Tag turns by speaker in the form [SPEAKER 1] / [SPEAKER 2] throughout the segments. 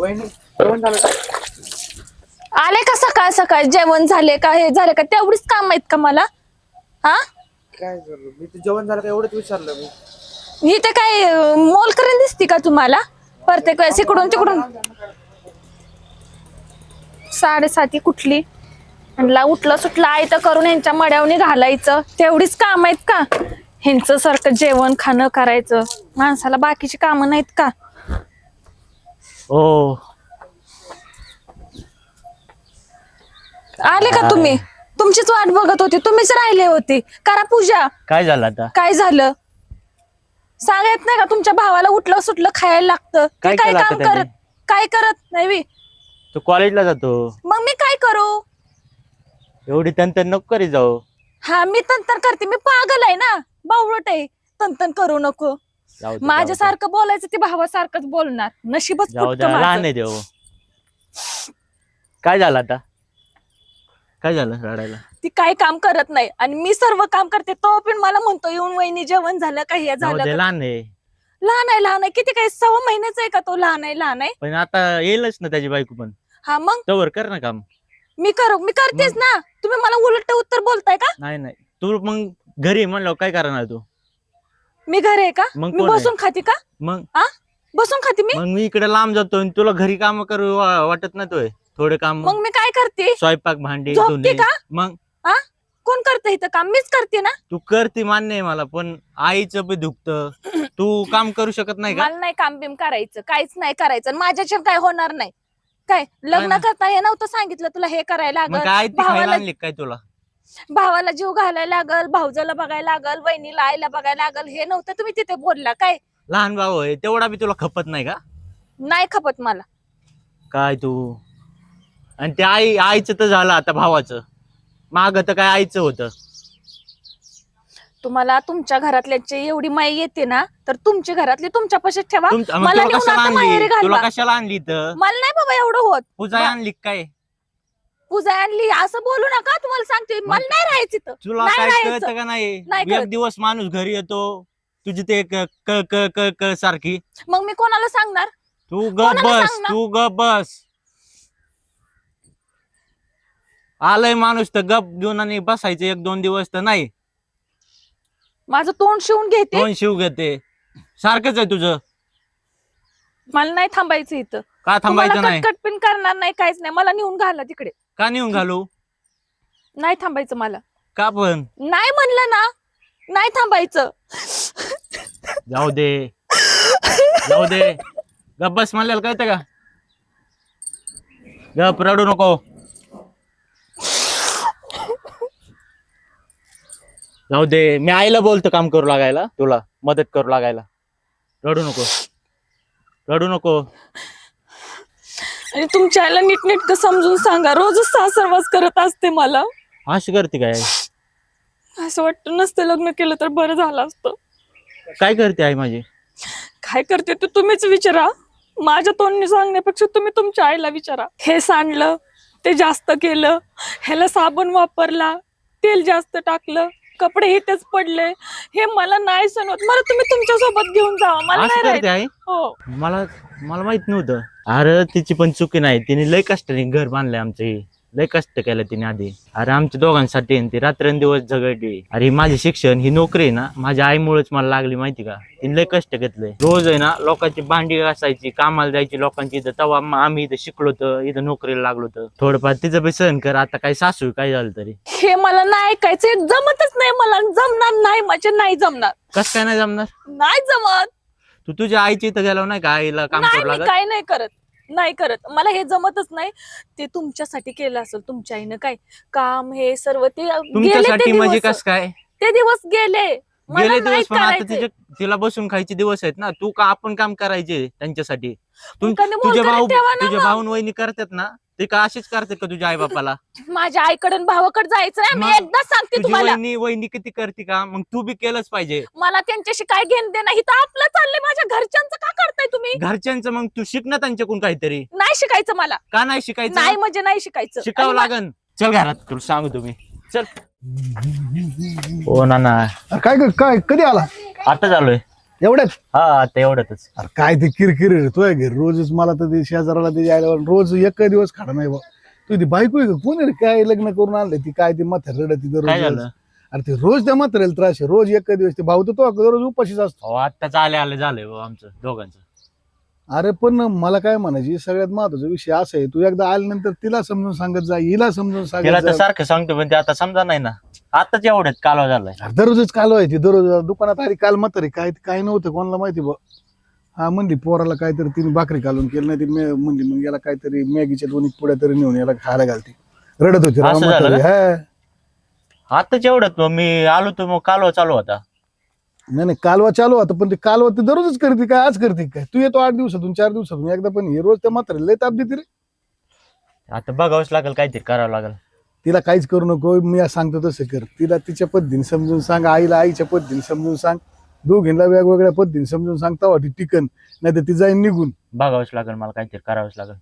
[SPEAKER 1] वहिनी जेवण झालं का?
[SPEAKER 2] आले का सकाळ सकाळ जेवण झाले का हे झाले का तेवढीच काम आहेत का मला? हा
[SPEAKER 1] काय झालं? मी तर जेवण झालं का एवढंच विचारलं मी.
[SPEAKER 2] ही ते काय मोल करून दिसती का तुम्हाला प्रत्येक वेळेस इकडून तिकडून? 7:30 कुठली म्हणला उठलं सुटलं आहे तर करून ह्यांच्या मड्यावनी घालायचं तेवढीच काम आहेत का? ह्यांचं सारखं जेवण खाणं करायचं माणसाला बाकीची कामं नाहीत का?
[SPEAKER 3] हो
[SPEAKER 2] आले का तुम्ही? तुमचीच वाट बघत होती, तुम्हीच राहिले होते. करा पूजा.
[SPEAKER 3] काय झालं आता?
[SPEAKER 2] काय झालं सांगत नाही का? तुमच्या भावाला उठलं सुटलं खायला लागतं. ते
[SPEAKER 3] काय
[SPEAKER 2] काय
[SPEAKER 3] केलं
[SPEAKER 2] काम
[SPEAKER 3] आता त्याने?
[SPEAKER 2] काय करत नाही बी.
[SPEAKER 3] तू कॉलेजला जातो,
[SPEAKER 2] मग मी काय करू?
[SPEAKER 3] एवढी तंतन नको करी जाऊ.
[SPEAKER 2] हा मी तंतन करते, मी पागल आहे ना, बावळट आहे. तंतन करू नको.
[SPEAKER 3] जाऊ दे,
[SPEAKER 2] माझ्यासारखं बोलायचं ते भावासारखंच बोलणार. नशीबच
[SPEAKER 3] जाऊ
[SPEAKER 2] फुटतं
[SPEAKER 3] दे,
[SPEAKER 2] माझं.
[SPEAKER 3] लहान आहे देव. काय झालं आता? काय झालं रडायला?
[SPEAKER 2] ती काय काम करत नाही आणि मी सर्व काम करते. तो पण मला म्हणतो येऊन वहिनी जेवण झालं का हे
[SPEAKER 3] जाऊ
[SPEAKER 2] झालं
[SPEAKER 3] दे,
[SPEAKER 2] का?
[SPEAKER 3] लहान आहे.
[SPEAKER 2] लहान आहे किती काय 6 महिन्याचा आहे का तो? लहान आहे
[SPEAKER 3] पण आता येईलच ना त्याची बायको पण.
[SPEAKER 2] हा मग
[SPEAKER 3] तवर कर ना काम.
[SPEAKER 2] मी करतेच ना. तुम्ही मला उलट उत्तर बोलताय का?
[SPEAKER 3] नाही तू मग घरी म्हणलं काय करणार तू?
[SPEAKER 2] मी घर आहे का?
[SPEAKER 3] मग
[SPEAKER 2] मी
[SPEAKER 3] कोण आहे?
[SPEAKER 2] बसून खाते का?
[SPEAKER 3] मग
[SPEAKER 2] बसून खाते मी.
[SPEAKER 3] मग मी इकडे लांब जातो आणि तुला घरी काम करू वाटत नाही तोय थोडे काम?
[SPEAKER 2] मग मी काय करते?
[SPEAKER 3] स्वयंपाक भांडी
[SPEAKER 2] झोपते
[SPEAKER 3] धुणे.
[SPEAKER 2] का?
[SPEAKER 3] मग
[SPEAKER 2] कोण करते इथं काम? मीच करते ना.
[SPEAKER 3] तू करते मान्य आहे मला, पण आईचं बी दुखत. तू काम करू शकत नाही का?
[SPEAKER 2] मला नाही काम बिम करायचं, काहीच नाही करायचं आणि माझ्याच्या काय होणार नाही. काय लग्न
[SPEAKER 3] ना.
[SPEAKER 2] करता हे नव्हतं सांगितलं तुला हे करायला
[SPEAKER 3] मग
[SPEAKER 2] लागल?
[SPEAKER 3] काय ती खायला
[SPEAKER 2] भावाला
[SPEAKER 3] आणली काय तुला?
[SPEAKER 2] भावाला जीव घालायला लागल, भाऊजाला बघायला लागल, वहिनीला आईला बघायला लागल. हे नव्हतं तुम्ही तिथे बोलला काय?
[SPEAKER 3] लहान भाऊ आहे तेवढा बी तुला खपत नाही का?
[SPEAKER 2] नाही खपत मला.
[SPEAKER 3] काय तू आणि ते आईचं तर झालं, आता भावाचं माग तर काय आईचं होतं.
[SPEAKER 2] तुम्हाला तुमच्या घरातल्याची एवढी माई येते ना, तर तुमची घरातली तुमच्या पाशीच ठेवा.
[SPEAKER 3] मग
[SPEAKER 2] मला
[SPEAKER 3] तुला
[SPEAKER 2] नेऊन
[SPEAKER 3] कशाला
[SPEAKER 2] आता माहेरी
[SPEAKER 3] आणली? तुला
[SPEAKER 2] घालवा.
[SPEAKER 3] कशाला आणली तर?
[SPEAKER 2] मला नाही बाबा एवढं होत.
[SPEAKER 3] पूजा आणली काय?
[SPEAKER 2] पूजा आणली असं बोलू नका. तुम्हाला सांगते मला नाही राहायचं इथं.
[SPEAKER 3] तुला
[SPEAKER 2] नाही
[SPEAKER 3] काय
[SPEAKER 2] राहायचं.
[SPEAKER 3] कळतं का नाही?
[SPEAKER 2] नाही कळत.
[SPEAKER 3] एक दिवस माणूस घरी येतो तुझी ते क क क क क सारखी.
[SPEAKER 2] मग मी कोणाला सांगणार?
[SPEAKER 3] तू गप
[SPEAKER 2] कोणाला
[SPEAKER 3] बस,
[SPEAKER 2] सांगणार?
[SPEAKER 3] तू गप बस. आलंय माणूस तर गप घेऊन आणि बसायचं 1-2 दिवस तर नाही.
[SPEAKER 2] माझं तोंड शिवून घेते.
[SPEAKER 3] दोन शिव घेते सारखंच आहे तुझं.
[SPEAKER 2] मला नाही थांबायचं इथं.
[SPEAKER 3] का थांबायचं नाही?
[SPEAKER 2] कटकट पिन करणार नाही, काहीच नाही. मला नेऊन घाला तिकडे.
[SPEAKER 3] का नेऊन घालू?
[SPEAKER 2] नाही थांबायचं मला.
[SPEAKER 3] का पण?
[SPEAKER 2] नाही म्हणलं ना, नाही थांबायचं.
[SPEAKER 3] जाऊ दे जाऊ दे, गप बस म्हणलेलं कळतं का? गप रडू नको. जाऊ दे, मी आईला बोलतो काम करू लागायला, तुला मदत करू लागायला. रडू नको रडू नको.
[SPEAKER 2] आणि तुमच्या आईला नीटनेटकं समजून सांगा. रोजच सासरवास करत असते मला.
[SPEAKER 3] अशी करते काय?
[SPEAKER 2] असं वाटतं नसतं लग्न केलं तर बरं झालं असतं.
[SPEAKER 3] काय करते आई माझी?
[SPEAKER 2] काय करते ते तुम्हीच विचारा. माझ्या तोंडने सांगण्यापेक्षा तुम्ही तुमच्या आईला विचारा. हे सांडलं, ते जास्त केलं, ह्याला साबण वापरला, तेल जास्त टाकलं, कपडे इथेच पडले, हे मला नाही सणवत. मला तुम्ही तुमच्या सोबत घेऊन जावा. मला
[SPEAKER 3] असं
[SPEAKER 2] नाही
[SPEAKER 3] करते आई?
[SPEAKER 2] राहायचं. हो.
[SPEAKER 3] मला माहित नव्हतं. अरे तिची पण चुकी नाही, तिने लय कष्टाने घर बांधलंय आमचे. लय कष्ट केलं तिने आधी. अरे आमच्या दोघांसाठी ती रात्रंदिवस झगडली. अरे माझे शिक्षण ही नोकरी आहे ना, माझ्या आईमुळेच मला लागली माहिती का. तिने लय कष्ट घेतलंय. रोज आहे ना लोकांची भांडी घासायची, कामाला जायची लोकांची इथं. तेव्हा आम्ही इथं शिकलो तर, इथं नोकरीला लागलो तर. थोडंफार तिचं बी सहन कर. आता काय सासू काय झालं तरी.
[SPEAKER 2] हे मला नाही ऐकायचं, जमतच नाही मला. जमणार नाही, माझे नाही जमणार.
[SPEAKER 3] कस काय नाही जमणार?
[SPEAKER 2] नाही जमत.
[SPEAKER 3] तू तुझ्या आईची इथं गेलो नाही का आईला काम
[SPEAKER 2] नाही
[SPEAKER 3] करू
[SPEAKER 2] मी
[SPEAKER 3] लागत?
[SPEAKER 2] काय नाही करत. मला हे जमतच नाही. ते तुमच्यासाठी केलं असेल तुमच्या आईनं. काय काम हे सर्व ते गेले.
[SPEAKER 3] तुमच्यासाठी
[SPEAKER 2] ते
[SPEAKER 3] म्हणजे
[SPEAKER 2] दिवस.
[SPEAKER 3] कस काय
[SPEAKER 2] ते दिवस गेले. मला
[SPEAKER 3] गेले
[SPEAKER 2] नाही
[SPEAKER 3] दिवस? पण आता
[SPEAKER 2] करायचे.
[SPEAKER 3] तिला बसून खायचे दिवस आहेत ना. तू का आपण काम करायचे त्यांच्यासाठी?
[SPEAKER 2] मुलगाने
[SPEAKER 3] तुझे
[SPEAKER 2] मोलकरीत
[SPEAKER 3] भाऊ
[SPEAKER 2] ठेवा ना
[SPEAKER 3] तुझे
[SPEAKER 2] मग.
[SPEAKER 3] भाऊन वहिनी करतात ना, ते का असेच करतात का तुझ्या आई बापाला?
[SPEAKER 2] माझ्या आईकडे भावाकडे जायचंय. मी
[SPEAKER 3] मग
[SPEAKER 2] एकदा सांगते
[SPEAKER 3] तुझी
[SPEAKER 2] तुम्हाला.
[SPEAKER 3] वहिनी किती करते का? मग तू बी केलंच पाहिजे.
[SPEAKER 2] मला त्यांच्याशी काय घेणं देणं नाही. तर आपलं चाललंय. माझ्या घरच्यांचं का करताय तुम्ही?
[SPEAKER 3] घरच्यांचं मग तू शिक ना त्यांच्याकडून काहीतरी.
[SPEAKER 2] नाही शिकायचं मला.
[SPEAKER 3] का नाही शिकायचं?
[SPEAKER 2] नाही म्हणजे नाही शिकायचं.
[SPEAKER 3] शिकावं
[SPEAKER 2] आणि
[SPEAKER 3] लागन. चल घरात, तुला सांगू तुम्ही. चल. हो ना.
[SPEAKER 4] काय काय कधी आला?
[SPEAKER 3] आता चालूय.
[SPEAKER 4] एवढ्याच
[SPEAKER 3] हा आता एवढ्यातच.
[SPEAKER 4] अरे काय ते किरकिर रे तुझ्या घरी रोजच मला तर ते शेजाराला ते यायला रोज एक दिवस खाडा नाही बा. तू ती बायको आहे का कोण आहे रे? काय लग्न करून आणलं ती काय ती म्हातारी रडत
[SPEAKER 3] काय
[SPEAKER 4] दररोज
[SPEAKER 3] झालं?
[SPEAKER 4] अरे ते रोज त्या म्हातारीला त्रास आहे रोज एक दिवस ते भाऊ तर तो दररोज उपाशीच असतो.
[SPEAKER 3] अहो आत्ताच आले झालंय बुवा आमचं दोघांचं.
[SPEAKER 4] अरे पण मला काय म्हणायची सगळ्यात महत्वाचा विषय असा आहे तू एकदा आल्यानंतर तिला समजून सांगत जा हिला समजून
[SPEAKER 3] तिला
[SPEAKER 4] सांगत
[SPEAKER 3] तर
[SPEAKER 4] जा.
[SPEAKER 3] सारखं सांगतो पण ते आता समजा नाही ना. आताच एवढ्यात कालवा झालाय.
[SPEAKER 4] अरे दररोजच काल व्हायची दररोज दुकानात आली काल म्हातारी काय नव्हतं कोणाला माहिती बा. हा म्हणली पोराला काहीतरी तिने भाकरी घालून केलं नाही ती म्हणली मग याला काहीतरी मॅगीच्या दोन्ही पुढ्या तरी नेऊन याला खायला घालते रडत होती राव
[SPEAKER 3] असं झालं
[SPEAKER 4] म्हातारी. हा
[SPEAKER 3] आताच एवढ्यात मग मी आलो तर मग कालवा चालू होता.
[SPEAKER 4] नाही कालवा चालू होता पण ते कालवा ते दररोजच करते काय आज करते काय तू येतो 8 दिवसातून 4 दिवसातून एकदा पण हे रोज त्या म्हातारी लय ताप देते रे.
[SPEAKER 3] आता बघावंच लागेल काहीतरी करावं लागेल.
[SPEAKER 4] तिला काहीच करू नको मी आज सांगतो तसं कर तिला तिच्या पद्धतीने समजून सांग आईला आईच्या पद्धतीने समजून सांग दोघींना वेगवेगळ्या पद्धतीने समजून सांग तेव्हा ती टिकन नाही तर ती जाईन निघून.
[SPEAKER 3] बघावंच लागेल मला काहीतरी करावंच लागेल.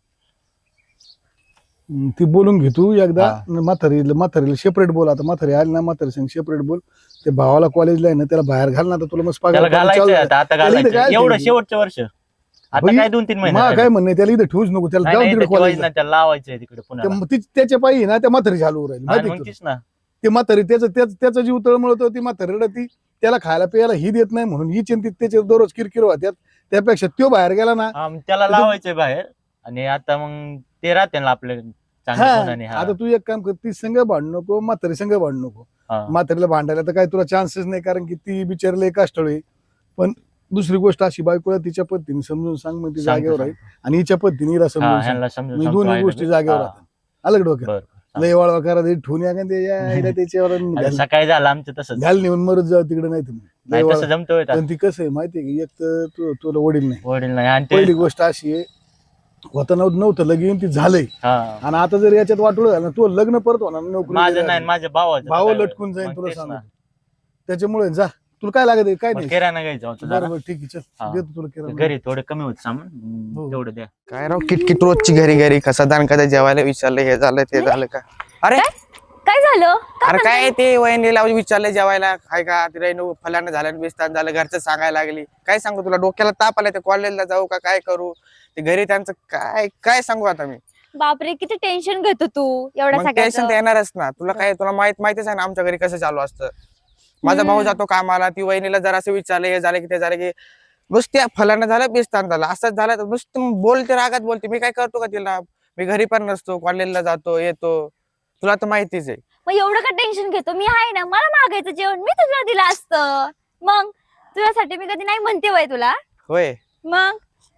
[SPEAKER 4] ती बोलून घे तू एकदा म्हातारीला सेपरेट बोल आता म्हातारी आली ना म्हातारी संग सेपरेट बोल ते भावाला कॉलेजला आहे ना त्याला बाहेर घाल ना आता तुला मस्त
[SPEAKER 3] त्याला
[SPEAKER 4] पगार
[SPEAKER 3] घालायचं
[SPEAKER 4] चालू
[SPEAKER 3] आता
[SPEAKER 4] आहे.
[SPEAKER 3] घालायचं
[SPEAKER 4] काय
[SPEAKER 3] एवढं
[SPEAKER 4] ते?
[SPEAKER 3] शेवटचं वर्ष. आता
[SPEAKER 4] बाई,
[SPEAKER 3] काय 2-3 महिने
[SPEAKER 4] मा
[SPEAKER 3] राहिले.
[SPEAKER 4] काय म्हणणं त्याला इथं ठेवूच नको त्याला
[SPEAKER 3] नाही,
[SPEAKER 4] जाऊ
[SPEAKER 3] नाही,
[SPEAKER 4] तिकडे
[SPEAKER 3] त्याच्या
[SPEAKER 4] कॉलेजला
[SPEAKER 3] वडिलांना त्याला लावायचंय तिकडे पुण्याला.
[SPEAKER 4] त्याच्या पायी ना त्या म्हातारी चालू राहील
[SPEAKER 3] आणि
[SPEAKER 4] माहिती
[SPEAKER 3] मग
[SPEAKER 4] का
[SPEAKER 3] तीच ना.
[SPEAKER 4] ते म्हातारी त्याचा जीव तळमळतो ती म्हातारी रडती त्याला खायला प्यायला ही देत नाही म्हणून ही चिंतित त्याचे दररोज किरकिर होत्यात त्यापेक्षा तो बाहेर गेला ना.
[SPEAKER 3] हा, मग त्याला लावायचंय बाहेर आणि आता मग ते राहते ना आपले चांगल्या
[SPEAKER 4] हा
[SPEAKER 3] गुणाने. हा.
[SPEAKER 4] आता तू एक काम कर ती संघ भांडू नको म्हातारी संघ भांडू नको.
[SPEAKER 3] हा.
[SPEAKER 4] म्हातारीला भांडायला तर काय तुला चान्सेस नाही कारण की ती बिचारले कष्टाळू पण दुसरी गोष्ट अशी बायकोला तिच्या पद्धतीने समजून सांग मग ती
[SPEAKER 3] सांगतो,
[SPEAKER 4] जागेवर राहील आणि हिच्या पद्धतीने हिला
[SPEAKER 3] हा,
[SPEAKER 4] समजून सांग
[SPEAKER 3] ह्यांना समजून
[SPEAKER 4] मी
[SPEAKER 3] सांगतो
[SPEAKER 4] दोन्ही
[SPEAKER 3] आईला
[SPEAKER 4] गोष्टी
[SPEAKER 3] बी.
[SPEAKER 4] जागेवर
[SPEAKER 3] हा,
[SPEAKER 4] राहतात. अलग डोक्यात
[SPEAKER 3] बरं.
[SPEAKER 4] लय वाळवा करा ते ठेवून या का ते यायला त्याच्यावर
[SPEAKER 3] आता सकाळी झालं आमचं तसंच.
[SPEAKER 4] घाल नेऊन मरत जाऊ तिकडे नाही तुम्ही
[SPEAKER 3] नाही तसं जमतोय आता.
[SPEAKER 4] पण ती कसं आहे माहितीये की एक तर तुला वडील नाही
[SPEAKER 3] वडील नाही आणि ते
[SPEAKER 4] पहिली गोष्ट अशी आहे होता नव्हतं लगीन ती झालंय
[SPEAKER 3] हा.
[SPEAKER 4] आणि आता जर याच्यात वाटोळ झालं ना तू लग्न परत होणार नाही, नोकरी
[SPEAKER 3] माझं नाही माझ्या भावाचं.
[SPEAKER 4] भाव
[SPEAKER 3] काय
[SPEAKER 4] लटकून
[SPEAKER 3] मग
[SPEAKER 4] जाईल तुला
[SPEAKER 3] तेच
[SPEAKER 4] सांगतो
[SPEAKER 3] ना.
[SPEAKER 4] त्याच्यामुळे जा तुला काय लागत आहे काय
[SPEAKER 3] मग
[SPEAKER 4] नाही
[SPEAKER 3] किराणा घ्यायचा होता जरा.
[SPEAKER 4] बरोबर ठीक आहे चल
[SPEAKER 3] हा.
[SPEAKER 4] देतो तुला किराणा.
[SPEAKER 3] घरी थोडं कमी होत सामान.
[SPEAKER 4] हो.
[SPEAKER 3] तेवढं द्या.
[SPEAKER 1] काय राव किटकिट रोजची घरी घरी खसादान कदा जेवायला विचारलं हे झालं ते झालं का. अरे
[SPEAKER 5] काय झालं
[SPEAKER 1] अरे काय ते वहिनीला विचारलं जेवायला काय का तिला फलानं झालं बेस्तान झालं घरचं सांगायला लागली काय सांगू तुला डोक्याला ताप आला ते कॉलेजला जाऊ का काय करू ते घरी त्यांचं काय काय सांगू आता मी.
[SPEAKER 5] बापरे किती टेन्शन घेतो तू एवढ्या
[SPEAKER 1] मग टेन्शन तर
[SPEAKER 5] सगळ्याचं
[SPEAKER 1] येणारच ना तुला काय तुला माहितीच आहे ना आमच्या घरी कसं चालू असतं. माझा भाऊ जातो कामाला ती वहिनीला जरा असं विचारलं हे झालं की ते झालं की नुसत्या फलानं झालं बेस्तान झालं असंच झालं तर नुसतं बोलते रागात बोलते मी काय करतो का तिला मी घरी पण नसतो कॉलेजला जातो येतो तुला तर माहितीच आहे.
[SPEAKER 5] मग एवढं का टेन्शन घेतो मी आहे ना मला मागायचं जेवण मी तुला दिलं असतं मग तुझ्यासाठी मी कधी नाही म्हणते वय तुला
[SPEAKER 1] होय
[SPEAKER 5] मग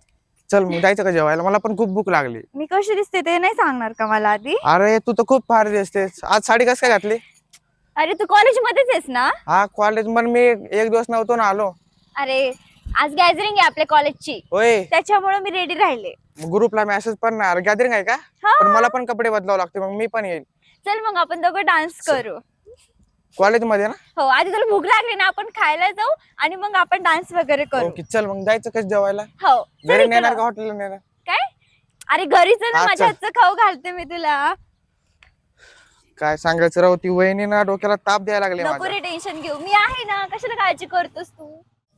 [SPEAKER 1] चल मग जायचं का जेवायला मला पण खूप भूक लागली.
[SPEAKER 5] मी कशी दिसते ते नाही सांगणार का मला आधी.
[SPEAKER 1] अरे तू तर खूप भारी दिसतेस आज साडी कसं काय घातली.
[SPEAKER 5] अरे तू कॉलेज मध्येच आहेस ना.
[SPEAKER 1] हा कॉलेज पण मी एक दिवस नव्हतो ना आलो.
[SPEAKER 5] अरे आज गॅदरिंग आहे आपल्या कॉलेजची
[SPEAKER 1] होय
[SPEAKER 5] त्याच्यामुळे मी रेडी राहिले.
[SPEAKER 1] ग्रुपला मेसेज पण गॅदरिंग आहे का
[SPEAKER 5] हा.
[SPEAKER 1] पण मला पण कपडे बदलावं लागते मग मी पण येईल.
[SPEAKER 5] चल मग आपण दोघं डान्स करू.
[SPEAKER 1] कॉलेज मध्ये ना.
[SPEAKER 5] हो आधी तुला भूक लागली ना आपण खायला जाऊ आणि मग आपण डान्स वगैरे करू.
[SPEAKER 1] ओके चल मग जायचं कसं जेवायला
[SPEAKER 5] हो चल
[SPEAKER 1] घरी
[SPEAKER 5] इकडं.
[SPEAKER 1] नेणार का हॉटेलला नेणार.
[SPEAKER 5] काय अरे घरीच आहे ना
[SPEAKER 1] हा,
[SPEAKER 5] माझ्या
[SPEAKER 1] चल.
[SPEAKER 5] हातचं खाऊ घालते मी तुला.
[SPEAKER 1] काय सांगायचं राव ती वहिनी ना डोक्याला ताप द्यायला लागले
[SPEAKER 5] नको
[SPEAKER 1] माझ्या.
[SPEAKER 5] रे टेन्शन घेऊ मी आहे ना कशाला काळजी करतोस तू.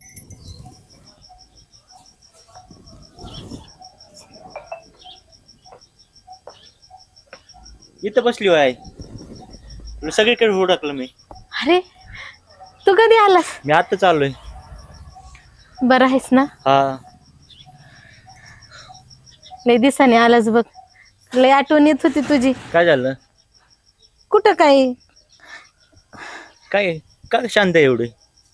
[SPEAKER 3] इथं बसली आहे तुला सगळीकडे हुडकलं मी.
[SPEAKER 6] अरे तू कधी आलास.
[SPEAKER 3] मी आता चाललोय.
[SPEAKER 6] बरं आहेस ना.
[SPEAKER 3] हा
[SPEAKER 6] लय दिवसाने आलास बघ लय आठवण येत होती तुझी.
[SPEAKER 3] काय झालं.
[SPEAKER 6] कुठं काय
[SPEAKER 3] काय काय शांत आहे एवढे.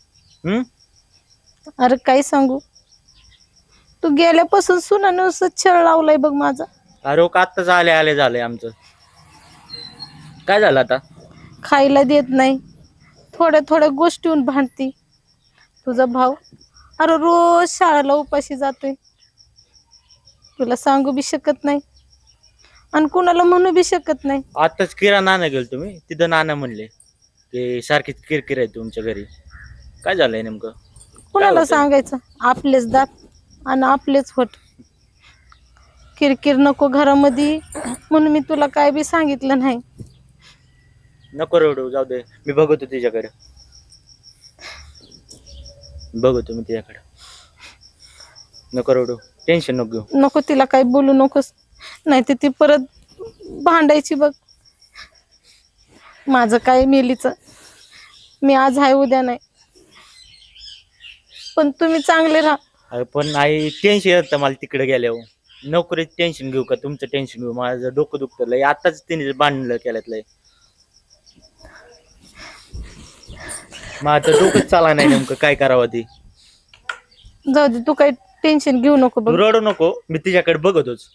[SPEAKER 6] अरे काय सांगू तू गेल्यापासून सुनानं असं छळ लावलाय बघ माझा.
[SPEAKER 3] अरे का आत्ताच आले झालंय आमचं. काय झालं आता.
[SPEAKER 6] खायला देत नाही थोड्या थोड्या गोष्टीहून भांडती. तुझा भाऊ अरे रोज शाळेला उपाशी जातोय. तुला सांगू बी शकत नाही आणि कुणाला म्हणू बी शकत नाही.
[SPEAKER 3] आताच किराणा नाना गेलो तुम्ही तिथं नाना म्हणले की सारखी किरकिर आहे तुमच्या घरी. काय झालंय नेमकं.
[SPEAKER 6] कुणाला
[SPEAKER 3] होतंय?
[SPEAKER 6] सांगायचं आपलेच दात आणि आपलेच होट. किरकिर नको घरामध्ये म्हणून मी तुला काय बी सांगितलं नाही.
[SPEAKER 3] नको रडू जाऊ दे मी बघतो तिच्याकडे. बघतो मी तिच्याकडे. नको रडू, टेन्शन नको घेऊ.
[SPEAKER 6] नको तिला काही बोलू नकोस, नाही तर ती परत भांडायची बघ. माझं काय मेलीच, मी आज आहे उद्या नाही, पण तुम्ही चांगले राहा.
[SPEAKER 3] अरे पण आई टेन्शन येतं मला तिकडे गेल्यावर. नोकरीच टेन्शन घेऊ का तुमचं टेन्शन घेऊ? माझं डोकं दुखतं लय. आताच तिने बांधलं केल्यात लय. मग आता डोकंच चाला नाही नेमकं काय करावं ते.
[SPEAKER 6] जाऊ दे, तू काही टेन्शन घेऊ नको
[SPEAKER 3] तू
[SPEAKER 6] बघ.
[SPEAKER 3] रडू नको, मी तिच्याकडे बघतोच.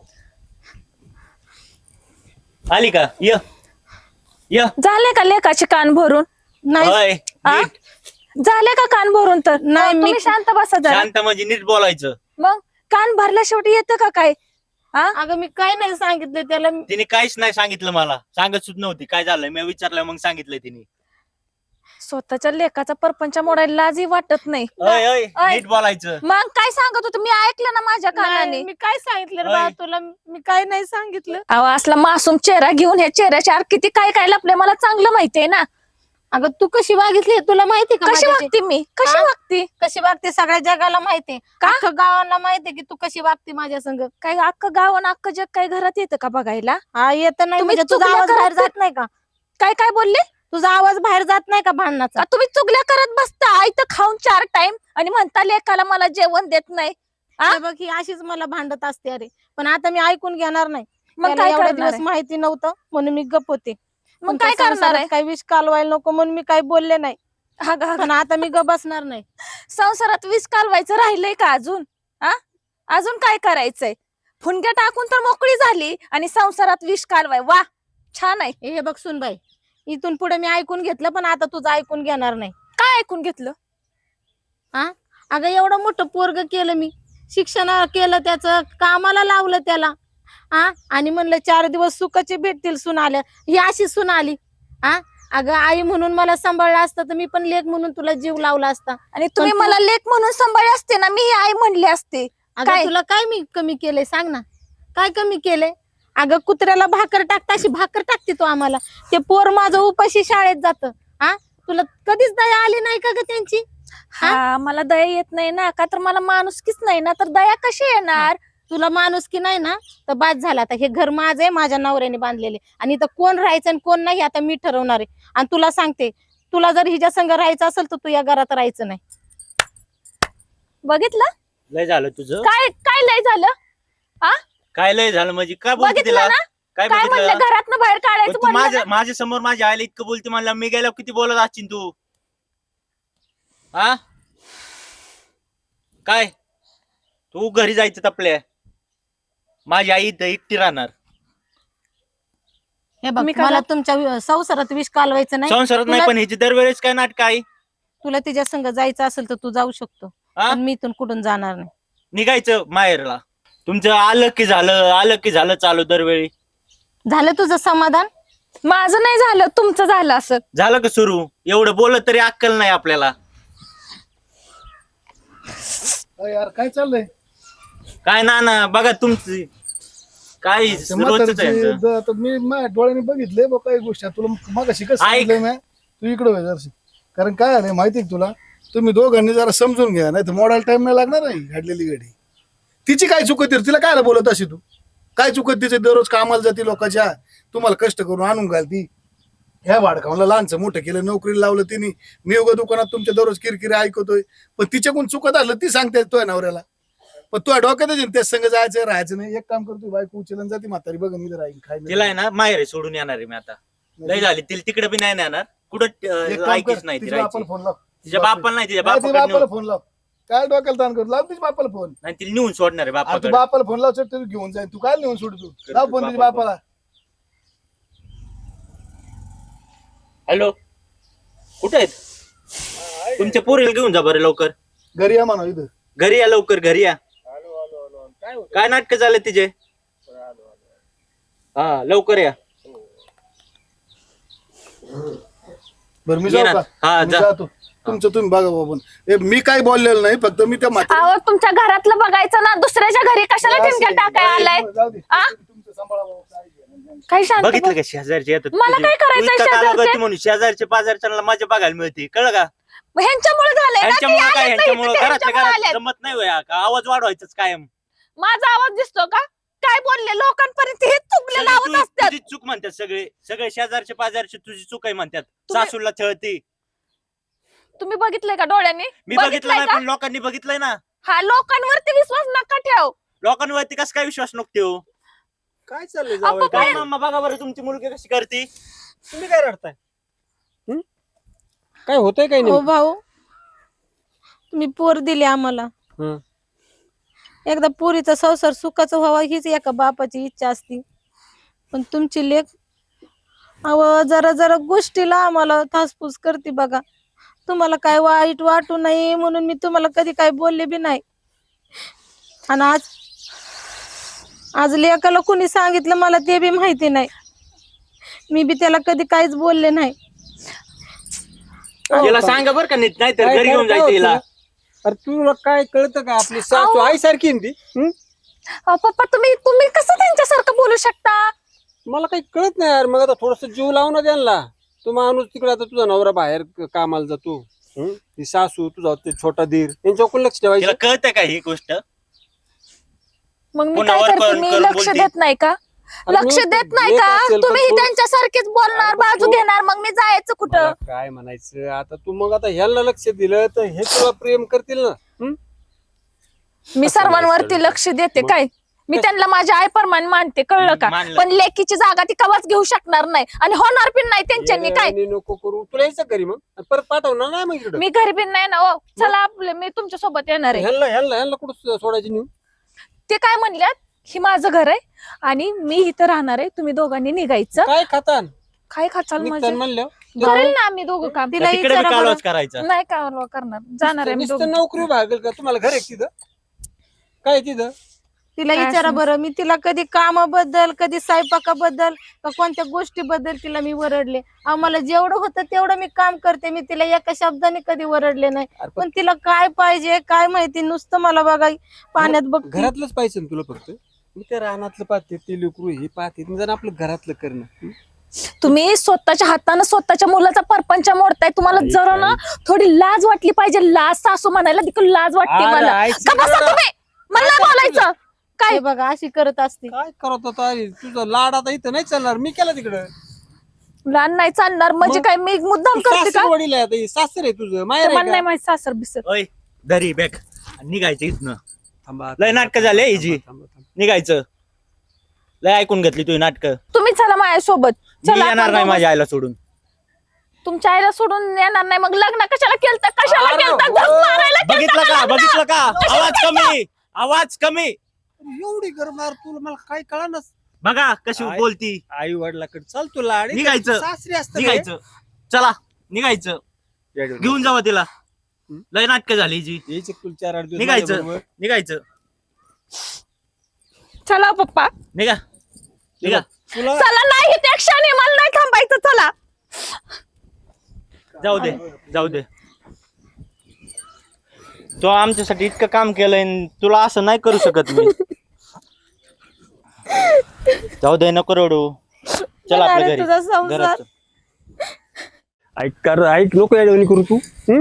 [SPEAKER 3] आली का? य य
[SPEAKER 2] झाले का लेकाचे कान भरून?
[SPEAKER 6] नाही
[SPEAKER 3] होय,
[SPEAKER 2] आ?
[SPEAKER 3] नीट.
[SPEAKER 2] झाले का कान भरून? तर
[SPEAKER 6] नाही, मी-
[SPEAKER 2] तुम्ही शांत बसा जरा.
[SPEAKER 3] शांत म्हणजे नीट बोलायचं.
[SPEAKER 2] मग कान भरल्या शेवटी येतं का काय?
[SPEAKER 6] अगं मी काय नाही सांगितलं त्याला.
[SPEAKER 3] तिने काहीच नाही सांगितलं मला, सांगत सुद्धा नव्हती काय झालंय. मी विचारलं मग सांगितलंय तिने.
[SPEAKER 2] स्वतःच्या लेकाचा परपंच मोडायला लाजही वाटत नाही.
[SPEAKER 3] अय अय
[SPEAKER 2] अय.
[SPEAKER 3] नीट बोलायचं.
[SPEAKER 2] मग काय सांगत होतं मी ऐकलं ना माझ्या कानाने.
[SPEAKER 6] नाही, मी काय सांगितलं रे
[SPEAKER 3] होय.
[SPEAKER 6] बा तुला? मी काय नाही सांगितलं.
[SPEAKER 2] अहो असला मासूम चेहरा घेऊन ह्या चेहऱ्याच्या आत किती काय काय लपले मला चांगलं माहितीये ना.
[SPEAKER 6] अगं तू कशी वागितली हे तुला माहिती का?
[SPEAKER 2] कशी
[SPEAKER 6] माझ्याची?
[SPEAKER 2] वागते मी? कशी
[SPEAKER 6] हा?
[SPEAKER 2] वागते?
[SPEAKER 6] कशी वागते सगळ्या जगाला माहितीये,
[SPEAKER 2] का?
[SPEAKER 6] अख्खं गावाला माहितीये की तू कशी वागते माझ्या संग.
[SPEAKER 2] काय अख्खं गाव आणि अख्खं जग काय घरात येतं का बघायला?
[SPEAKER 6] हा येत नाही
[SPEAKER 2] तुम्ही
[SPEAKER 6] म्हणजे तुझा
[SPEAKER 2] चुकल्या
[SPEAKER 6] आवाज बाहेर
[SPEAKER 2] करत
[SPEAKER 6] जात नाही का?
[SPEAKER 2] काय काय बोलले?
[SPEAKER 6] तुझा आवाज बाहेर जात नाही का भांडणाचा?
[SPEAKER 2] का तुम्ही चुगल्या करत बसता आयतं खाऊन 4 टाइम आणि म्हणता लेकाला मला जेवण देत नाही. आ?
[SPEAKER 6] हे बघ ही अशीच मला भांडत असते अरे, पण आता मी ऐकून घेणार नाही.
[SPEAKER 2] मग
[SPEAKER 6] त्याला
[SPEAKER 2] काय
[SPEAKER 6] एवढे
[SPEAKER 2] करणार
[SPEAKER 6] दिवस
[SPEAKER 2] आहे?
[SPEAKER 6] माहिती नव्हतं म्हणून मी गप्प होते.
[SPEAKER 2] मग
[SPEAKER 6] तुमच्या
[SPEAKER 2] काय करणार
[SPEAKER 6] संसारात
[SPEAKER 2] आहे?
[SPEAKER 6] काही विष कालवायला नको म्हणून मी काही बोलले नाही,
[SPEAKER 2] अगं, अगं,
[SPEAKER 6] पण आता मी गप बसणार नाही.
[SPEAKER 2] संसारात विष कालवायचं राहिलंय का अजून? अजून काय करायचंय? फुनग्या टाकून तर मोकळी झाली आणि संसारात विष कालवाय. वा, छान आहे.
[SPEAKER 6] हे बघ सुनबाई, इथून पुढे मी ऐकून घेतलं पण आता तुझं ऐकून घेणार नाही.
[SPEAKER 2] काय ऐकून घेतलं?
[SPEAKER 6] अगं एवढं मोठं पोरग केलं मी, शिक्षण केलं, त्याचं कामाला लावलं त्याला. आणि म्हणलं 4 दिवस सुखाचे भेटतील सून आल्या, ही अशी सून आली. अगं आई म्हणून मला सांभाळलं असतं तर मी पण लेक म्हणून तुला जीव लावला असता.
[SPEAKER 2] आणि तुम्ही
[SPEAKER 6] पण तू-
[SPEAKER 2] मला लेक म्हणून सांभाळले असते ना, मी ही आई म्हणली असते.
[SPEAKER 6] अगं
[SPEAKER 2] काय?
[SPEAKER 6] तुला काय मी कमी केलंय सांग ना, काय कमी केलंय? अगं कुत्र्याला भाकर टाकता अशी भाकर टाकते तो आम्हाला. ते पोर माझं उपाशी शाळेत जातं. तुला कधीच दया आली नाही का ग त्यांची?
[SPEAKER 2] हा, मला दया येत नाही ना, का तर मला माणुसकीच नाही ना, तर दया कशी येणार?
[SPEAKER 6] तुला माणुसकी नाही ना तर बाद झाला. आता हे घर माझं आहे, माझ्या नवऱ्याने बांधलेले, आणि इथं कोण राहायचं आणि कोण नाही आता मी ठरवणार आहे. आणि तुला सांगते, तुला जर हिच्या संग राहायचं असेल तर तू या घरात राहायचं नाही.
[SPEAKER 2] बघितलं
[SPEAKER 3] लय झालं तुझं.
[SPEAKER 2] काय काय लय झालं?
[SPEAKER 3] काय लय झालं म्हणजे काय बोलते
[SPEAKER 2] बघितलं
[SPEAKER 3] तिला?
[SPEAKER 2] ना?
[SPEAKER 3] काय
[SPEAKER 2] काय म्हणलं
[SPEAKER 3] बघितलं?
[SPEAKER 2] घरातनं बाहेर
[SPEAKER 3] पण
[SPEAKER 2] काढायचं
[SPEAKER 3] तू
[SPEAKER 2] म्हणलं
[SPEAKER 3] माझ्या
[SPEAKER 2] ना?
[SPEAKER 3] माझ्या समोर माझ्या आईला इतकं बोलते, मला मी गेल्यावर किती बोलत असशील तू? हा काय? तू घरी जायचं तपल्या, माझी आई इथं एकटी राहणार.
[SPEAKER 6] हे बघ
[SPEAKER 2] मी काय
[SPEAKER 6] मला तुमच्या संसारात विष कालवायचं नाही.
[SPEAKER 3] संसारात नाही,
[SPEAKER 6] तुला-
[SPEAKER 3] पण ह्याची दरवेळेस काय नाटक आहे?
[SPEAKER 6] तुला तिच्या संग जायचं असेल तर तू जाऊ शकतो,
[SPEAKER 3] हा?
[SPEAKER 6] पण मी इथून कुठून जाणार नाही.
[SPEAKER 3] निघायचं माहेरला. तुमचं आलं की झालं चालू दरवेळी.
[SPEAKER 6] झालं तुझं समाधान?
[SPEAKER 2] माझं नाही झालं, तुमचं झालं असं.
[SPEAKER 3] झालं का सुरू? एवढं बोलत तरी अक्कल नाही आपल्याला.
[SPEAKER 4] यार काय चाललंय?
[SPEAKER 3] काय ना बघा तुमची काय
[SPEAKER 4] ते
[SPEAKER 3] रोजच आहे यांचं.
[SPEAKER 4] म्हातारीची आता मी माझ्या डोळ्याने बघितले बघ काही गोष्टी. तुला मग शिकत सांगितलंय मी, तू इकडं व्हाय जरशी. कारण काय आहे माहिती का तुला, तुम्ही दोघांनी जरा समजून घ्या, नाही तर मोडायला टाइम नाही लागणार नाही. घडलेली गाडी तिची काय चुकत, तिला काय बोलत अशी तू? काय चुकत तिचे? दररोज कामाला जाते लोकांच्या, तुम्हाला कष्ट करून आणून घालती. ह्या वाडकावला लहानचं मोठं केलं, नोकरीला लावलं तिने. मी उगा दुकानात तुमच्या दररोज किरकिरी ऐकतोय, पण तिच्याकडून चुकत असलं ती सांगते तो नवऱ्याला. पण तू डोक्यात त्याच संग जायचं राहायचं नाही. एक काम करतो, बायको उचलून जाते म्हातारी, बघ मी राहील काय
[SPEAKER 3] तिला आहे ना माहेर सोडून येणार आहे मी आता. लय झाली तिला तिकडे बी नाही नेणार कुठं. ऐकीच नाही ती
[SPEAKER 4] तिच्या
[SPEAKER 3] राहायची.
[SPEAKER 4] बापाला फोन लाव.
[SPEAKER 3] तिच्या बापाला नाही, तिच्या
[SPEAKER 4] नाही, ती
[SPEAKER 3] बापाकडे
[SPEAKER 4] बापाला
[SPEAKER 3] नेऊन-
[SPEAKER 4] फोन लाव. काय डोक्याला ताण करू? लाव तिच्या बापाला फोन.
[SPEAKER 3] नाही तिला नेऊन सोडणार आहे
[SPEAKER 4] अरे तू
[SPEAKER 3] बापाकडे.
[SPEAKER 4] बापाला फोन लाव, तू घेऊन जाईल. तू काय नेऊन सोड, तू लाव फोन तिच्या बापाला.
[SPEAKER 3] हॅलो, कुठे आहेत? तुमच्या पोरीला घेऊन जा बरं लवकर.
[SPEAKER 4] घरी या म्हणा इथं.
[SPEAKER 3] घरी या लवकर, घरी या. काय नाटक झाले तिचे? हा लवकर या.
[SPEAKER 4] बरं मी
[SPEAKER 3] ये
[SPEAKER 4] जाऊ
[SPEAKER 3] ना.
[SPEAKER 4] का?
[SPEAKER 3] हा,
[SPEAKER 4] मी
[SPEAKER 3] जा.
[SPEAKER 4] जातो. तुमचं तुम्ही बघा बाबा. मी काय बोललेलं नाही, फक्त मी त्या म्हातारी-
[SPEAKER 2] अहो तुमच्या घरातलं बघायचं ना, दुसऱ्याच्या घरी कशाला ठिमक्या टाकाय आलाय?
[SPEAKER 4] जाऊ दे.
[SPEAKER 2] आ?
[SPEAKER 4] तुमचं सांभाळा बाबा, काय घ्या.
[SPEAKER 2] काही शांत
[SPEAKER 3] बघितलं
[SPEAKER 2] बस.
[SPEAKER 3] का शेजारचे येतात
[SPEAKER 2] मला
[SPEAKER 3] तुझे?
[SPEAKER 2] काय करायचंय
[SPEAKER 3] तू इतका काला
[SPEAKER 2] शेजारचे?
[SPEAKER 3] करते म्हणून शेजारचे पाजारच्या मजा बघायला मिळते, कळलं का?
[SPEAKER 2] मग ह्यांच्यामुळे झालंय ना, ते
[SPEAKER 3] ह्यांच्यामुळे काय
[SPEAKER 2] आलेत ना
[SPEAKER 3] ह्यांच्यामुळे
[SPEAKER 2] इथे, ते
[SPEAKER 3] घरातल्या
[SPEAKER 2] ह्यांच्यामुळे
[SPEAKER 3] घरात
[SPEAKER 2] आलेत.
[SPEAKER 3] जमत नाही होया का आवाज वाढवायचाच कायम.
[SPEAKER 2] माझा आवाज दिसतो का? काय बोलले लोकांपर्यंत हे चुकले
[SPEAKER 3] सगळी
[SPEAKER 2] लावत असतात.
[SPEAKER 3] तुझी चूक म्हणतात सगळे सगळे शेजारचे पाजारचे तुझी चूक आहे म्हणतात. सासूला छळती.
[SPEAKER 2] तुम्ही बघितलंय का डोळ्यांनी?
[SPEAKER 3] मी बघितलं
[SPEAKER 2] बघितलंय
[SPEAKER 3] नाही
[SPEAKER 2] का?
[SPEAKER 3] पण लोकांनी बघितलंय ना.
[SPEAKER 2] हा, लोकांवरती विश्वास नका ठेव.
[SPEAKER 3] लोकांवरती कस काय विश्वास नको ठेवू.
[SPEAKER 7] काय चाललंय
[SPEAKER 2] अप्पा,
[SPEAKER 7] जावई?
[SPEAKER 3] काय मामा बघा बरं तुमची मुलगी कशी करते.
[SPEAKER 7] तुम्ही काय रडताय? काय होतंय काय
[SPEAKER 6] हो
[SPEAKER 7] नाही?
[SPEAKER 6] भाऊ, तुम्ही पोर दिली आम्हाला.
[SPEAKER 7] हं.
[SPEAKER 6] एकदा पोरीचा संसार सुखाचा व्हावा हीच एका बापाची इच्छा असती. पण तुमची लेक अव जरा जरा गोष्टीला आम्हाला थासपूस करते बघा. तुम्हाला काय वाईट वाटू नये म्हणून मी तुम्हाला कधी काय बोलले बी नाही. आणि आज लेकाला कोणी सांगितलं मला ते बी माहिती नाही. मी बी त्याला कधी काहीच बोलले नाही.
[SPEAKER 3] तिला सांगा बरं का नीट नाहीतर
[SPEAKER 7] काय-
[SPEAKER 3] घरी
[SPEAKER 7] काय-
[SPEAKER 3] घेऊन
[SPEAKER 7] काय
[SPEAKER 3] जायचं हिला.
[SPEAKER 7] होतं? अरे तुला काय कळतं का? आपली सासू
[SPEAKER 2] अहो.
[SPEAKER 7] आई सारखी आहे ना ती. हं?
[SPEAKER 2] पप्पा, तुम्ही कसं त्यांच्यासारखं बोलू शकता?
[SPEAKER 7] मला काही कळत नाही यार. मग आता थोडस जीव लावू ना त्यांना. तू माणूस तिकडे, आता तुझा नवरा बाहेर कामाला जातो. हं? ती सासू तुझा ते छोटा धीर यांच्यावर कोण लक्ष
[SPEAKER 3] तिला
[SPEAKER 7] ठेवायचं?
[SPEAKER 3] कळतं का ही गोष्ट.
[SPEAKER 2] मग मी
[SPEAKER 3] पुन्हा
[SPEAKER 2] काय
[SPEAKER 3] वर
[SPEAKER 2] करते?
[SPEAKER 3] करून-
[SPEAKER 2] मी
[SPEAKER 3] करून
[SPEAKER 2] लक्ष
[SPEAKER 3] बोलते.
[SPEAKER 2] देत नाही का?
[SPEAKER 7] अरे
[SPEAKER 2] लक्ष
[SPEAKER 7] मी
[SPEAKER 2] देत नाही
[SPEAKER 7] देत
[SPEAKER 2] का?
[SPEAKER 7] असेल, पण
[SPEAKER 2] तुम्ही
[SPEAKER 7] थोडं-
[SPEAKER 2] त्यांच्यासारखेच बोलणार,
[SPEAKER 7] अरे
[SPEAKER 2] बाजू
[SPEAKER 7] तो-
[SPEAKER 2] घेणार, मग मी जायचं कुठं?
[SPEAKER 7] मला काय म्हणायचं आता, तू मग आता ह्याला लक्ष दिलं तर हे तुला प्रेम करतील ना. हं?
[SPEAKER 2] मी
[SPEAKER 7] असं
[SPEAKER 2] सर्वांवरती
[SPEAKER 7] नाही,
[SPEAKER 2] लक्ष देते
[SPEAKER 7] मग-
[SPEAKER 2] काय? मी त्यांना माझ्या आईप्रमाणे मानते, कळलं का?
[SPEAKER 3] मानलं.
[SPEAKER 2] पण लेकीची जागा ती कवाच घेऊ शकणार नाही आणि होणार पण नाही त्यांच्यानी. काय
[SPEAKER 7] येड्यावानी नको करू. तुला यायचं घरी मग आणि परत पाठवणार नाही मग इकडं.
[SPEAKER 2] मी घरी पण नाही ना. ओ चला, आपले मी तुमच्या सोबत येणार आहे.
[SPEAKER 7] ह्याला कुठं सोडायची नेऊन?
[SPEAKER 2] ते काय म्हणल्यात, ही माझं घर आहे आणि मी इथं राहणार आहे, तुम्ही दोघांनी निघायचं.
[SPEAKER 7] काय खातान
[SPEAKER 2] काय खाचाल
[SPEAKER 7] निघतान
[SPEAKER 2] माझं?
[SPEAKER 7] म्हणलं
[SPEAKER 2] करेल ना आम्ही दोघं काम.
[SPEAKER 6] तिला
[SPEAKER 3] तिकडे बी
[SPEAKER 6] विचारा बरं.
[SPEAKER 3] कालवाच करायचा.
[SPEAKER 2] नाही का करणार, जाणार आहे आम्ही
[SPEAKER 7] नुसतं
[SPEAKER 2] दोघं.
[SPEAKER 7] नोकरी भागेल का? तुम्हाला घर आहे का तिथं? काय आहे तिथं?
[SPEAKER 6] तिला
[SPEAKER 2] काय
[SPEAKER 6] विचारा
[SPEAKER 2] असं?
[SPEAKER 6] बरं. मी तिला कधी कामाबद्दल, कधी स्वयंपाकाबद्दल का कोणत्या गोष्टीबद्दल तिला मी वरडले? आम्हाला जेवढं होतं तेवढं मी काम करते. मी तिला एका शब्दाने कधी वरडले नाही.
[SPEAKER 7] अरे
[SPEAKER 6] पण तिला काय पाहिजे काय माहिती, नुसतं मला बघा पाण्यात बघ.
[SPEAKER 7] घरातलंच पाहिजे ना तुला फक्त. मी त्या रानातलं पाहते, ते लेकरू हे पाहते, जर आपलं घरातलं करणं. हं?
[SPEAKER 2] तुम्ही स्वतःच्या हाताने स्वतःच्या मुलाचा परपंच मोडताय. तुम्हाला
[SPEAKER 7] आई,
[SPEAKER 2] जरा ना थोडी लाज वाटली पाहिजे. लाज, सासू म्हणायला देखील लाज वाटते
[SPEAKER 7] अरे,
[SPEAKER 2] मला.
[SPEAKER 7] आईची
[SPEAKER 2] का बसा
[SPEAKER 7] गरज-
[SPEAKER 2] तुम्ही? मला नाही बोलायचं. काय
[SPEAKER 6] हे बघा अशी करत असते.
[SPEAKER 7] काय करत होता? अरे, तुझा लाड आता इथं नाही चालणार. मी केला तिकडं.
[SPEAKER 2] लहान नाही चालणार म्हणजे
[SPEAKER 7] मग?
[SPEAKER 2] काय? मी मुद्दाम करते का?
[SPEAKER 7] सासर वडील आहे आता. हे सासर आहे तुझं, माहेर
[SPEAKER 2] मला
[SPEAKER 7] आहे
[SPEAKER 2] नाही
[SPEAKER 7] का?
[SPEAKER 2] माहित सासर बिसर.
[SPEAKER 3] ओय धरी बॅग निघायचं इथनं.
[SPEAKER 7] थांबा,
[SPEAKER 3] लय नाटकं झाले हिची.
[SPEAKER 7] थांबा, थांबा.
[SPEAKER 3] निघायचं. लय ऐकून घेतली तुझी नाटकं.
[SPEAKER 2] तुम्ही चला माझ्यासोबत.
[SPEAKER 3] मी
[SPEAKER 2] चला
[SPEAKER 3] येणार
[SPEAKER 2] आपण
[SPEAKER 3] नाही
[SPEAKER 2] दोघं.
[SPEAKER 3] माझ्या आईला सोडून.
[SPEAKER 2] तुमच्या आईला सोडून येणार नाही. मग लग्न कशाला केलं? कशाला
[SPEAKER 7] अरे,
[SPEAKER 2] केलं?
[SPEAKER 7] हो.
[SPEAKER 2] झक मारायला केलतं
[SPEAKER 3] बघितलं का
[SPEAKER 2] लग्न?
[SPEAKER 3] बघितलं का
[SPEAKER 2] कशाला
[SPEAKER 3] आवाज कमी आवाज कमी.
[SPEAKER 7] अरे, एवढी गरमार तुला मला काय कळणार?
[SPEAKER 3] बघा कशी
[SPEAKER 7] आई-
[SPEAKER 3] बोलती.
[SPEAKER 7] आई वडिलाकडे चल तुला आणि
[SPEAKER 3] निघायचं.
[SPEAKER 7] सासरी असतं
[SPEAKER 3] निघायचं. चला निघायचं.
[SPEAKER 7] रे.
[SPEAKER 3] घेऊन जावं तिला. लय नाटकं झाली हिची.
[SPEAKER 7] यायचे तुला 4-8 दिवस
[SPEAKER 3] निघायचं.
[SPEAKER 7] माझ्याबरोबर.
[SPEAKER 3] निघायचं.
[SPEAKER 2] चला पप्पा,
[SPEAKER 3] निघा निघा.
[SPEAKER 7] तुला
[SPEAKER 2] चला. नाही ते क्षण आहे, मला नाही थांबायचं. चला.
[SPEAKER 3] जाऊ दे जाऊ दे. तो आमच्यासाठी इतकं काम केलंय न तुला असं नाही करू शकत मी. जाऊ दे नको रडू. चल आपल्या
[SPEAKER 6] अरे,
[SPEAKER 3] घरी
[SPEAKER 6] तुझा संसार.
[SPEAKER 3] घरात.
[SPEAKER 7] ऐक नको याडवणी करू तू. हं?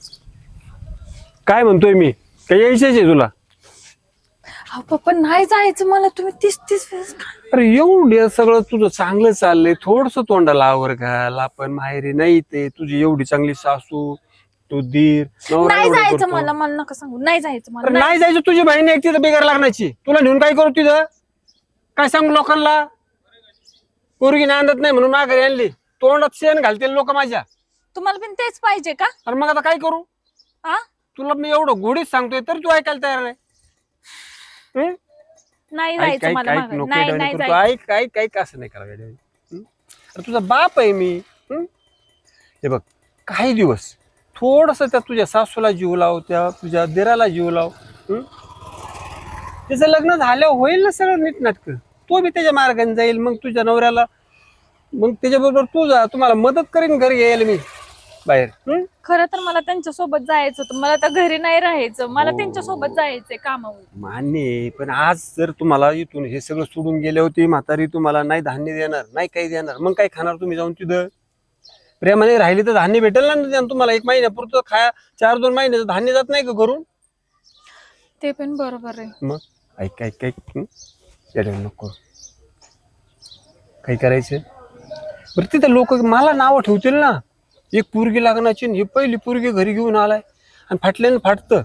[SPEAKER 7] काय म्हणतोय मी? काय यायचंच आहे तुला?
[SPEAKER 2] अहो पप्पा, नाही जायचं मला. तुम्ही 30 वेळेस
[SPEAKER 7] अरे एवढे सगळं तुझं चांगलं चाललंय, थोडस तोंडाला आवर घाल. आपण माहेरी नाही ते तुझी एवढी चांगली सासू, तू दीर, नवरा
[SPEAKER 2] नाही
[SPEAKER 7] एवढं
[SPEAKER 2] जायचं
[SPEAKER 7] करतो.
[SPEAKER 2] मला. मला नका सांगू. नाही जायचं मला.
[SPEAKER 7] अरे
[SPEAKER 2] नाही.
[SPEAKER 7] नाही जायचं. तुझी बहीण एक तिथं बेकार लागण्याची. तुला नेऊन काय करू तिथं? काय सांगू लोकांना? पोरगी नांदत नाही म्हणून माघारी आणली. तोंडात शेण घालतील लोक माझ्या.
[SPEAKER 2] तुम्हाला पण तेच पाहिजे का?
[SPEAKER 7] अरे मग आता काय करू?
[SPEAKER 2] हा?
[SPEAKER 7] तुला मी एवढं गोडीत सांगतोय तर तू ऐकायला तयार नाही. हं?
[SPEAKER 2] नाही
[SPEAKER 7] ऐक
[SPEAKER 2] जायचं
[SPEAKER 7] ऐक
[SPEAKER 2] मला
[SPEAKER 7] ऐक
[SPEAKER 2] माघारी.
[SPEAKER 7] नको
[SPEAKER 2] नाही
[SPEAKER 7] येड्यावानी
[SPEAKER 2] नाही
[SPEAKER 7] करतो.
[SPEAKER 2] जायचं.
[SPEAKER 7] ऐक ऐक ऐक असं नाही करावं येड्यावानी. हं? अरे तुझा बाप आहे मी. हं? हे बघ, काही दिवस थोडस त्या तुझ्या सासूला जीव लाव, त्या तुझ्या दिराला जीव लाव. हं? त्याचं लग्न झालं होईल ना सगळं नीटनाटक. तो बी त्याच्या मार्गाने जाईल. मग तुझ्या नवऱ्याला, मग त्याच्याबरोबर तू जा. तुम्हाला मदत करीन घरी यायला मी बाहेर. हं?
[SPEAKER 2] खरं तर मला त्यांच्या सोबत जायचं होतं. मला तर घरी नाही राहायचं. मला
[SPEAKER 7] हो.
[SPEAKER 2] त्यांच्या सोबत जायचंय कामावर.
[SPEAKER 7] मान्य आहे, पण आज जर तुम्हाला इथून हे सगळं सोडून गेले होते, म्हातारी तुम्हाला नाही धान्य देणार, नाही काही देणार, मग काय खाणार तुम्ही जाऊन तिथं? प्रेमाने राहिली तर धान्य भेटेल ना तुम्हाला. 1 महिन्यापुरतं खाया 4-2 महिन्याचं धान्य जात नाही का करून.
[SPEAKER 2] ते पण बरोबर आहे.
[SPEAKER 7] मग ऐक ऐक ऐक येडे नको काही करायचं. बरं तिथे लोक मला नावं ठेवतील ना, एक पोरगी लागण्याची ही पहिली पोरगी घरी घेऊन आलाय आणि फाटल्यानं फाटतं.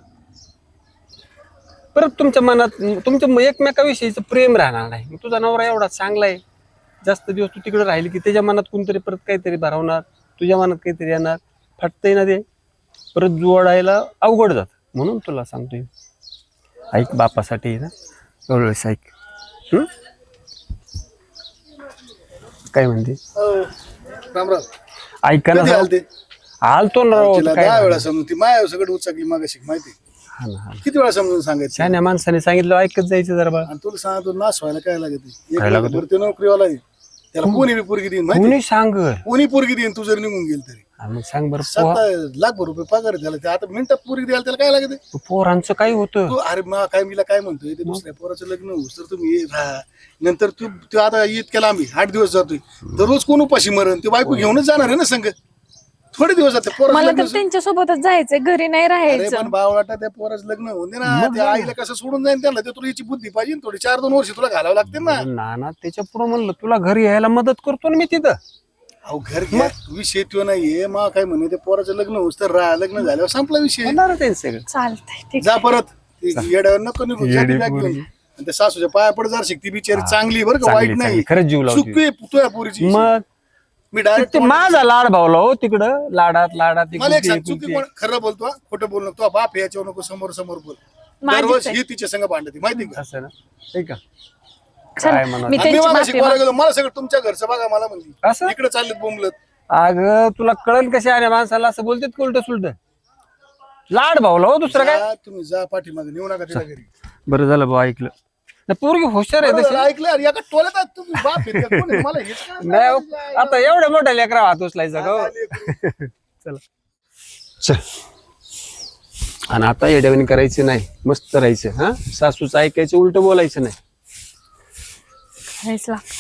[SPEAKER 7] परत तुमच्या मनात तुमच्या एकमेकाविषयीचं प्रेम राहणार नाही. तुझा नवरा एवढा चांगला आहे, जास्त दिवस तू तिकडे राहिली की त्याच्या मनात कोणतरी परत काहीतरी भरवणार, तुझ्या मनात काहीतरी येणार, फाटतंय ना ते, परत जोडायला अवघड जात. म्हणून तुला सांगतोय ऐक, बापासाठी ना एवढं ऐक. काय म्हणते
[SPEAKER 4] राम राम.
[SPEAKER 7] ऐका ना
[SPEAKER 4] कधी
[SPEAKER 7] भाऊ.
[SPEAKER 4] आलते?
[SPEAKER 7] आलतो ना राव,
[SPEAKER 4] तिला
[SPEAKER 7] काय
[SPEAKER 4] 10 वेळा
[SPEAKER 7] झालं?
[SPEAKER 4] समजून ती माया सगळं उचकली मागाशी माहिती.
[SPEAKER 7] हा ना, हा ना.
[SPEAKER 4] किती वेळा समजून सांगायचं.
[SPEAKER 7] शहाण्या माणसाने सांगितलं ऐकत जायचं जरा बा.
[SPEAKER 4] आणि तुला सांगतो नाश व्हायला काय लागत
[SPEAKER 7] काय लागत?
[SPEAKER 4] बरं ते नोकरीवाला आहे, त्याला कोणी बी पोरगी देईन माहिती.
[SPEAKER 7] कोणी सांग
[SPEAKER 4] कोणी पोरगी देईन तू जर निघून गेल तरी.
[SPEAKER 7] मग सांग बरं पोहा.
[SPEAKER 4] 7 लाखभर रुपये पगार आहे त्याला. ते आता मिनिटात पोरगी द्यायला त्याला काय लागत.
[SPEAKER 7] पोरांचं काय होतं.
[SPEAKER 4] तू अरे काय मीला काय म्हणतोय, ते दुसऱ्या पोराचं लग्न होऊस तर तुम्ही राहा. नंतर तू आता इतक्या लांबी 8 दिवस जातोय, दररोज कोण उपाशी मरण. ते बायको घेऊनच जाणार आहे ना संग. थोडे दिवस जाते पोराचं
[SPEAKER 2] मला
[SPEAKER 4] लग्न.
[SPEAKER 2] तर त्यांच्या सोबतच जायचंय, घरी नाही
[SPEAKER 4] अरे
[SPEAKER 2] राहायचं.
[SPEAKER 4] पण बावळाटा त्या पोराचं लग्न होऊन दे ना. त्या आईला कसं सोडून जाईन त्याला. ते तुला याची बुद्धी पाहिजे थोडी. 4-2 वर्ष तुला घालावं लागते ना.
[SPEAKER 7] ना त्याच्या पुढे म्हणलं तुला घरी यायला मदत करतो ना मी तिथं.
[SPEAKER 4] अहो घर घ्या, विषय तो नाहीये. मा काय म्हणे ते पोराचं लग्न होऊस तर राहा, लग्न झाल्यावर संपला विषय.
[SPEAKER 7] होणार ते सगळं.
[SPEAKER 2] चालतंय ठीक.
[SPEAKER 4] जा परत. येड्यावर नको निघून जा ती बॅग घेऊन. आणि त्या सासूच्या पाया पड जर शिकती बिचारी चांगली आहे बरं का, वाईट नाही.
[SPEAKER 7] खरंच जीव लावते.
[SPEAKER 4] चुकी तुझ्या पोरीची.
[SPEAKER 7] मग
[SPEAKER 4] मी डायरेक्ट
[SPEAKER 7] ते माझा लाड भावला हो तिकडं. लाडात लाडात
[SPEAKER 4] मला एक सांग,
[SPEAKER 7] एकुलती
[SPEAKER 4] चुकी कोण खरं बोलतो, खोटं बोल नको. बाप याच्यावर नको, समोर समोर बोल.
[SPEAKER 2] माझीच
[SPEAKER 4] दररोज
[SPEAKER 2] आहे.
[SPEAKER 4] ही तिच्या संग भांडती माहिती का.
[SPEAKER 7] असं ना. ठीक आहे.
[SPEAKER 2] चल,
[SPEAKER 7] काय म्हणा.
[SPEAKER 2] मी
[SPEAKER 4] आणि मी
[SPEAKER 2] त्यांची
[SPEAKER 4] मला
[SPEAKER 2] माफी
[SPEAKER 4] शिकवायला गेलो, मला सगळं तुमच्या घरचं बघा मला म्हणली.
[SPEAKER 7] असं
[SPEAKER 4] इकडे चाललेत बोंबलत.
[SPEAKER 7] अगं तुला कळण कशी आहे माणसाला असं बोलतात का उलट सुलट. लाड भावला हो दुसरं काय.
[SPEAKER 4] जा, तुम्ही जा पाठीमागे, नेऊ नका तिला घरी.
[SPEAKER 7] बरं झालं भाऊ ऐकलं ना. पोरगी हुशार आहे
[SPEAKER 4] बरं
[SPEAKER 7] तशी.
[SPEAKER 4] झालं, ऐकलं यार, एका टोल्यात आहेत तुम्ही. बाप आहेत का? कोण आहे? मला हेच कळत
[SPEAKER 7] नाही हो,
[SPEAKER 4] नाही.
[SPEAKER 7] आता एवढ्या मोठ्या लेकरा हात उचलायचा का हो? चला चल. आणि आता येड्यावानी करायचं नाही, मस्त राहायचं. हा, सासूचं ऐकायचं, उलट बोलायचं नाही.
[SPEAKER 2] करायचं लागतं.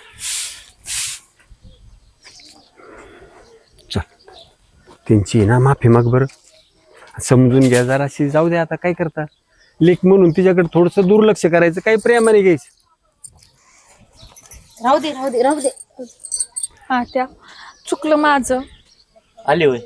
[SPEAKER 7] चल त्यांची ना माफी माग बरं. समजून घ्या जराशी. जाऊ दे आता काय करता. लेक म्हणून तिच्याकडे थोडस दुर्लक्ष करायचं, काही प्रेमाने घ्यायचं.
[SPEAKER 6] राहू दे राहू दे राहू दे.
[SPEAKER 2] हा त्या चुकलं माझं.
[SPEAKER 3] आली होय.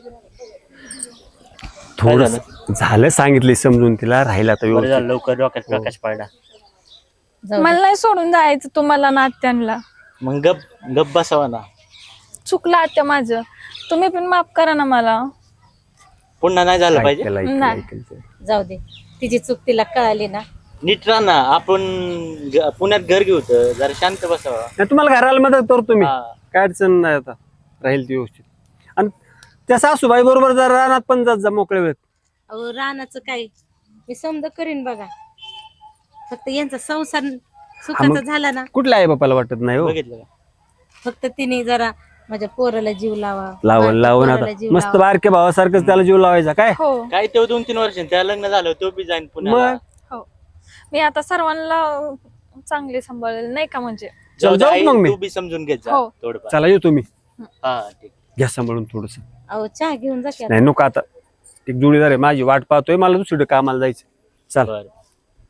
[SPEAKER 7] थोडं झालं सांगितले समजून तिला. राहिला तर
[SPEAKER 3] बरं
[SPEAKER 7] व्यवस्थित.
[SPEAKER 3] झालं लवकर डोक्यात प्रकाश पडला.
[SPEAKER 2] मला नाही सोडून जायचं तुम्हाला नात्यांना.
[SPEAKER 3] मग गप गप बसावा ना.
[SPEAKER 2] चुकलं आत्या माझं, तुम्ही पण माफ करा ना मला.
[SPEAKER 3] पुन्हा नाही झालं पाहिजे.
[SPEAKER 2] नाही.
[SPEAKER 6] जाऊ दे, तिची चूक तिला कळाली ना.
[SPEAKER 3] नीट राहा ना. आपण पुण्यात घर घेऊ तर जरा शांत बसावा.
[SPEAKER 7] नाही, तुम्हाला घराला मदत करतो मी.
[SPEAKER 3] हा.
[SPEAKER 7] काय अडचण नाही. आता राहील ती व्यवस्थित. आणि त्या सासूबाई बरोबर जर रानात पण जात जा मोकळे वेळेत.
[SPEAKER 6] अहो रानाचं काय, मी समजा करीन बघा. फक्त यांचा संसार सुखाचा झाला ना.
[SPEAKER 7] कुठल्या आई बापाला वाटत नाही हो.
[SPEAKER 3] बघितलं का?
[SPEAKER 6] फक्त तिने जरा माझ्या पोराला जीव लावा.
[SPEAKER 7] लावून
[SPEAKER 6] माझ्या
[SPEAKER 7] लावून
[SPEAKER 6] पोराला
[SPEAKER 7] आता
[SPEAKER 6] जीव
[SPEAKER 7] मस्त
[SPEAKER 6] लावा.
[SPEAKER 7] बारक्या भावासारखंच त्याला जीव लावायचा काय.
[SPEAKER 2] हो
[SPEAKER 3] काय तो 2-3 वर्ष त्या लग्न झालं तो बी जाईन पुण्याला.
[SPEAKER 7] मग
[SPEAKER 2] हो, मी आता सर्वांना चांगले सांभाळेल नाही का. म्हणजे
[SPEAKER 3] जाऊ दे
[SPEAKER 7] जाऊ
[SPEAKER 3] आई,
[SPEAKER 7] मग मी.
[SPEAKER 3] तू बी समजून घेत जा
[SPEAKER 2] हो.
[SPEAKER 3] थोडंफार.
[SPEAKER 7] चला येतो मी.
[SPEAKER 3] हा ठीक.
[SPEAKER 7] घ्या सांभाळून थोडस.
[SPEAKER 6] अहो चहा घेऊन जा की आता.
[SPEAKER 7] नाही नको आता. एक जोडीदार आहे माझी वाट पाहतोय. मला दुसरीकडे कामाला जायचं. चल.
[SPEAKER 3] बर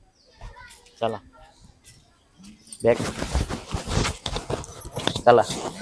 [SPEAKER 3] चला बॅग चला.